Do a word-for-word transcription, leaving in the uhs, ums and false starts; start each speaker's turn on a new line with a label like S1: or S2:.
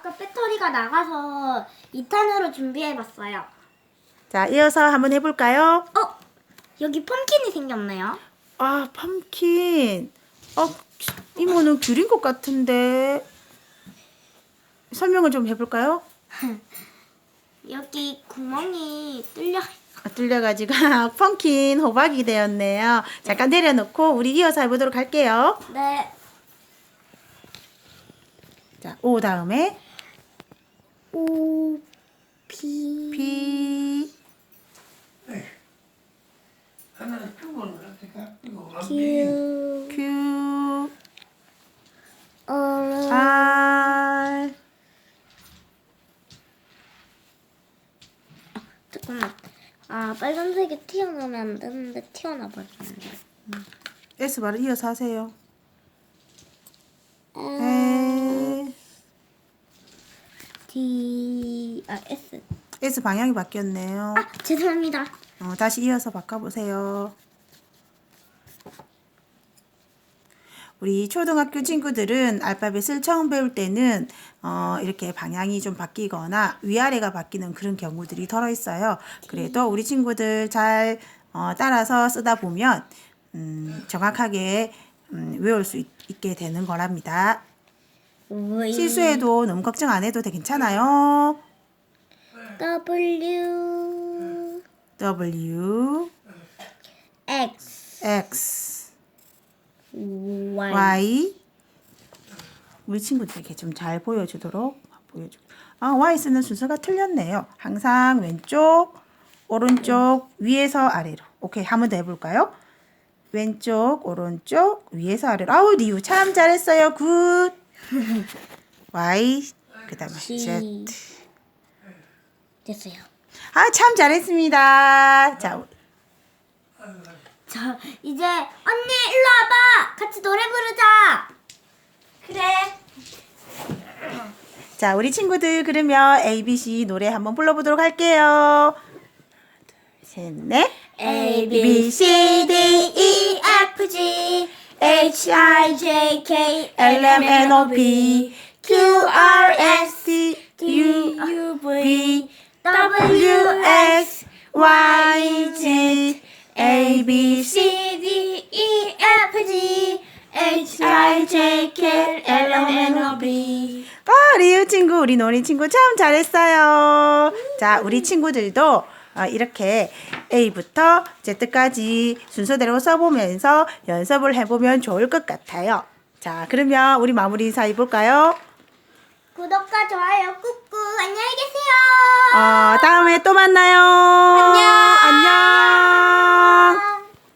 S1: 아까 배터리가 나가서 이 탄으로 준비해봤어요.
S2: 자, 이어서 한번 해볼까요?
S1: 어? 여기 펌킨이 생겼네요.
S2: 아, 펌킨. 어, 이모는 귤인 것 같은데. 설명을 좀 해볼까요?
S1: 여기 구멍이 뚫려.
S2: 아, 뚫려가지고 펌킨 호박이 되었네요. 잠깐 내려놓고 우리 이어서 해보도록 할게요.
S1: 네.
S2: 자, 오 다음에
S1: 오, 피.
S2: 피,
S3: 하나는 큐브는 어떻게 큐브
S1: 큐.
S2: 큐,
S1: 어.
S2: 알,
S1: 잠깐만. 아, 빨간색이 튀어나오면 안 되는데 튀어나 버렸는데.
S2: S 바로 이어서 하세요.
S1: 음.
S2: 에,
S1: D. 아, S.
S2: S 방향이 바뀌었네요.
S1: 아, 죄송합니다.
S2: 어, 다시 이어서 바꿔보세요. 우리 초등학교 친구들은 알파벳을 처음 배울 때는 어, 이렇게 방향이 좀 바뀌거나 위아래가 바뀌는 그런 경우들이 덜어 있어요. 그래도 우리 친구들 잘 어, 따라서 쓰다 보면 음, 정확하게 음, 외울 수 있, 있게 되는 거랍니다.
S1: V.
S2: 실수해도 너무 걱정 안 해도 되 괜찮아요.
S1: W.
S2: W,
S1: X.
S2: X,
S1: Y.
S2: Y. 우리 친구들에게 좀 잘 보여주도록 보여주. 아, Y 쓰는 순서가 틀렸네요. 항상 왼쪽, 오른쪽, 위에서 아래로. 오케이, 한 번 더 해볼까요? 왼쪽, 오른쪽, 위에서 아래로. 아우, 리우 참 잘했어요. 굿. Y, 그다음에
S1: G.
S2: Z.
S1: 됐어요.
S2: 아, 참 잘했습니다. 자,
S1: 저 이제 언니 일로 와봐. 같이 노래 부르자. 그래.
S2: 자, 우리 친구들 그러면 A, B, C 노래 한번 불러보도록 할게요. 하나, 둘, 셋, 넷.
S1: A B C D E F G H I J K L M N O P Q R S
S2: T,
S1: T
S2: U,
S1: U
S2: V,
S1: V
S2: W,
S1: W
S2: X, Y, Z, A, B, C.
S1: C D E F G H I J K L M N O P
S2: 아, 리우 친구, 우리 노린 친구 참 잘했어요. 자, 우리 친구들도 어, 이렇게 A부터 Z까지 순서대로 써보면서 연습을 해보면 좋을 것 같아요. 자, 그러면 우리 마무리 인사 해볼까요?
S1: 구독과 좋아요 꾹꾹 안녕히 계세요.
S2: 어, 다음에 또 만나요.
S1: 안녕.